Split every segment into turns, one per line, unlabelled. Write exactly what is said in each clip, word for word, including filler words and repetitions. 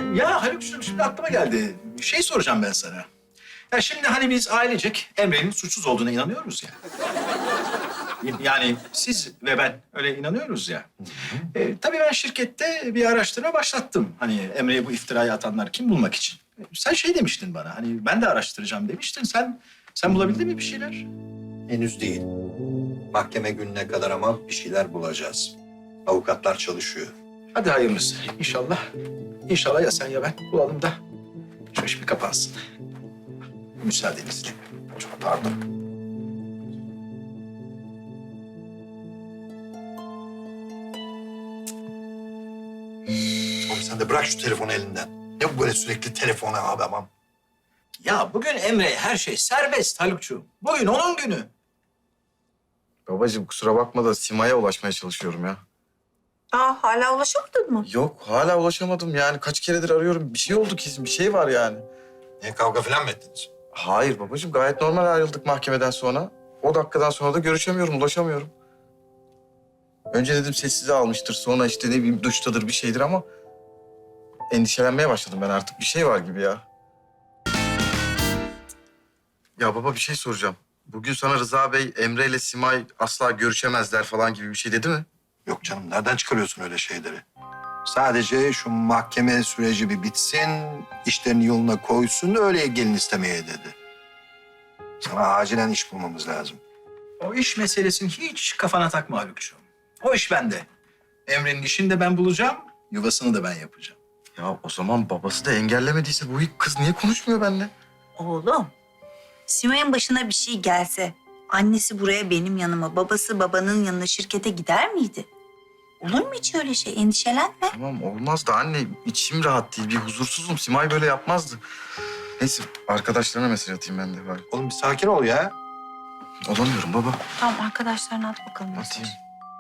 Ya Haluk'cum şimdi aklıma geldi. Bir şey soracağım ben sana. Ya şimdi hani biz ailecek Emre'nin suçsuz olduğuna inanıyoruz ya. Yani siz ve ben öyle inanıyoruz ya. E, tabii ben şirkette bir araştırma başlattım. Hani Emre'ye bu iftirayı atanlar kim bulmak için. E, Sen şey demiştin bana, hani ben de araştıracağım demiştin. Sen sen bulabildin mi bir şeyler?
Henüz değil. Mahkeme gününe kadar ama bir şeyler bulacağız. Avukatlar çalışıyor.
Hadi hayırlısı inşallah. İnşallah ya sen ya ben bulalım da şu iş bir kapansın. Müsaadenizle. Çok pardon.
Oğlum sen de bırak şu telefonu elinden. Ne bu böyle sürekli telefona abi aman.
Ya bugün Emre'ye her şey serbest Haluk'cuğum. Bugün onun günü.
Babacığım kusura bakma da Sima'ya ulaşmaya çalışıyorum ya.
Aa, hala ulaşamadın mı?
Yok hala ulaşamadım yani kaç keredir arıyorum. Bir şey oldu kesin bir şey var yani.
Niye kavga falan mı ettiniz?
Hayır babacığım gayet normal ayrıldık mahkemeden sonra. O dakikadan sonra da görüşemiyorum, ulaşamıyorum. Önce dedim sessize almıştır. Sonra işte ne bileyim duştadır bir şeydir ama... endişelenmeye başladım ben artık. Bir şey var gibi ya. Ya baba bir şey soracağım. Bugün sana Rıza Bey, Emre ile Simay asla görüşemezler falan gibi bir şey dedi mi?
Yok canım nereden çıkarıyorsun öyle şeyleri? Sadece şu mahkeme süreci bir bitsin, işlerini yoluna koysun, öyle gelin istemeye dedi. Sana acilen iş bulmamız lazım.
O iş meselesini hiç kafana takma Haluk'cuğum. O iş bende. Emre'nin işini de ben bulacağım, yuvasını da ben yapacağım.
Ya o zaman babası da engellemediyse bu kız niye konuşmuyor benimle?
Oğlum, Simay'ın başına bir şey gelse, annesi buraya benim yanıma, babası babanın yanına şirkete gider miydi? Olur mu hiç öyle şey? Endişelenme.
Tamam olmaz da anne içim rahat değil. Bir huzursuzum. Simay böyle yapmazdı. Neyse arkadaşlarına mesaj atayım ben de bari.
Oğlum bir sakin ol ya.
Olamıyorum baba.
Tamam, arkadaşlarına at bakalım.
Atayım.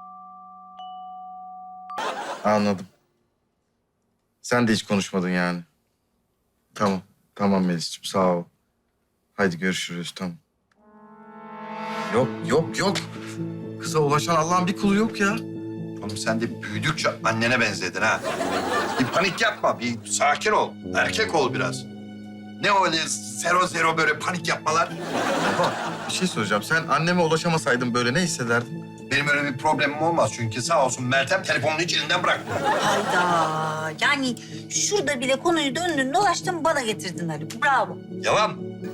Anladım. Sen de hiç konuşmadın yani. Tamam. Tamam Melis'ciğim sağ ol. Haydi görüşürüz tamam. Yok yok yok. Kıza ulaşan Allah'ın bir kulu yok ya.
Oğlum sen de büyüdükçe annene benzedin ha. Bir panik yapma, bir sakin ol. Erkek ol biraz. Ne öyle zero zero böyle panik yapmalar?
Baba bir şey soracağım. Sen anneme ulaşamasaydın böyle ne hissederdin?
Benim öyle bir problemim olmaz çünkü sağ olsun Meltem telefonunu hiç elinden bırakmıyor.
Hayda. Yani şurada bile konuyu döndün dolaştın bana getirdin Haluk. Bravo.
Yalan.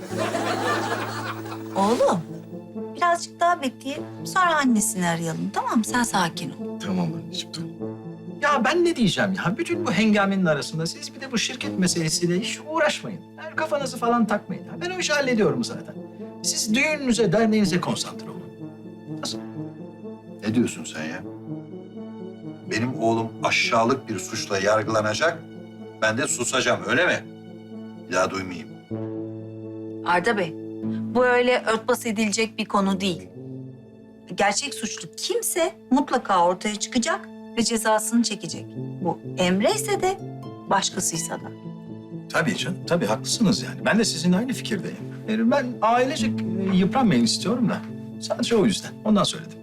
Oğlum, birazcık daha bekleyelim. Sonra annesini arayalım, tamam mı? Sen sakin ol.
Tamam anneciğim tamam.
Ya ben ne diyeceğim ya? Bütün bu hengamenin arasında siz bir de bu şirket meselesiyle hiç uğraşmayın. Yani kafanızı falan takmayın. Ben o işi hallediyorum zaten. Siz düğününüze, derneğinize konsantre olun. Nasıl?
Ne diyorsun sen ya? Benim oğlum aşağılık bir suçla yargılanacak. Ben de susacağım öyle mi? Bir daha duymayayım.
Arda Bey, bu öyle örtbas edilecek bir konu değil. Gerçek suçlu kimse mutlaka ortaya çıkacak ve cezasını çekecek. Bu Emre ise de başkasıysa da.
Tabii canım, tabii haklısınız yani. Ben de sizinle aynı fikirdeyim. Yani ben ailecek e, yıpranmayın istiyorum da. Sadece o yüzden. Ondan söyledim.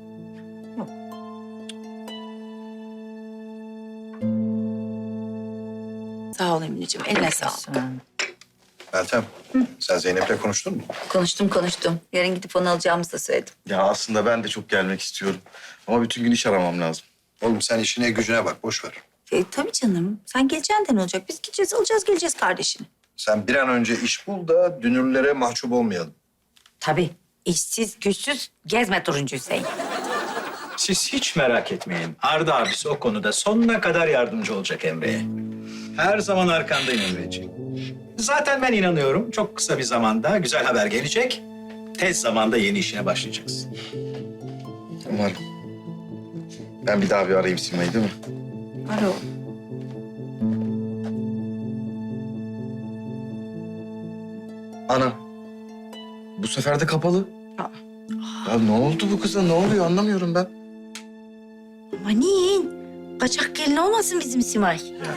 Sağ ol Emineciğim, eline sağlık.
Meltem, sen Zeynep'le konuştun mu?
Konuştum konuştum. Yarın gidip onu alacağımızı da söyledim.
Ya aslında ben de çok gelmek istiyorum. Ama bütün gün iş aramam lazım.
Oğlum sen işine gücüne bak, boş ver.
E, tabii canım. Sen geleceksin de ne olacak? Biz gideceğiz, alacağız, geleceğiz kardeşini.
Sen bir an önce iş bul da dünürlere mahcup olmayalım.
Tabii. İşsiz, güçsüz, gezme turuncu Hüseyin.
Siz hiç merak etmeyin. Arda abisi o konuda sonuna kadar yardımcı olacak Emre'ye. Her zaman arkandayım Emre'ciğim. Zaten ben inanıyorum çok kısa bir zamanda güzel haber gelecek. Tez zamanda yeni işine başlayacaksın.
Umarım. Ben bir daha bir arayayım Sima'yı değil mi?
Ara o.
Ana. Bu sefer de kapalı.
Aa.
Ya ne oldu bu kıza? Ne oluyor anlamıyorum ben.
Aman, kaçak gelin olmasın bizim Simay.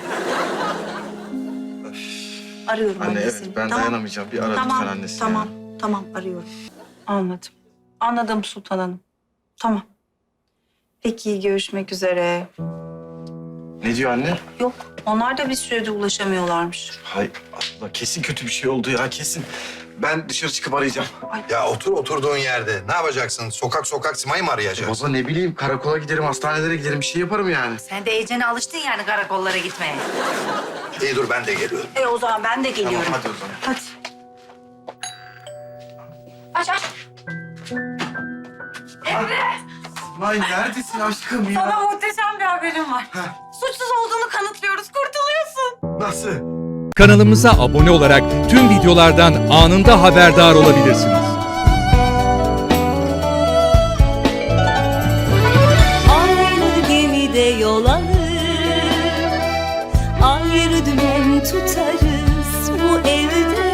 Arıyorum
Anne
annesini.
evet ben
Tamam.
dayanamayacağım. Bir ara
Tamam,
lütfen annesini.
tamam, tamam arıyorum. Anladım. Anladım Sultan Hanım. Tamam. Peki görüşmek üzere.
Ne diyor anne?
Yok, onlar da bir süredir ulaşamıyorlarmış.
Hay Allah, kesin kötü bir şey oldu ya, kesin. Ben dışarı çıkıp arayacağım.
Ya otur oturduğun yerde. Ne yapacaksın? Sokak sokak Sima'yı mı arayacaksın?
Baba ne bileyim, karakola giderim, hastanelere giderim, bir şey yaparım yani.
Sen de iyicene alıştın yani karakollara gitmeye.
İyi dur ben de geliyorum.
E o zaman ben de geliyorum.
Tamam, hadi o zaman.
Hadi. Aç aç.
Ay neredesin aşkım ya?
Sana muhteşem bir haberim var. Suçsuz olduğunu kanıtlıyoruz, kurtuluyorsun.
Nasıl?
Kanalımıza abone olarak tüm videolardan anında haberdar olabilirsiniz.
Aynı gemide yol alır, ayrı dümen tutarız bu evde.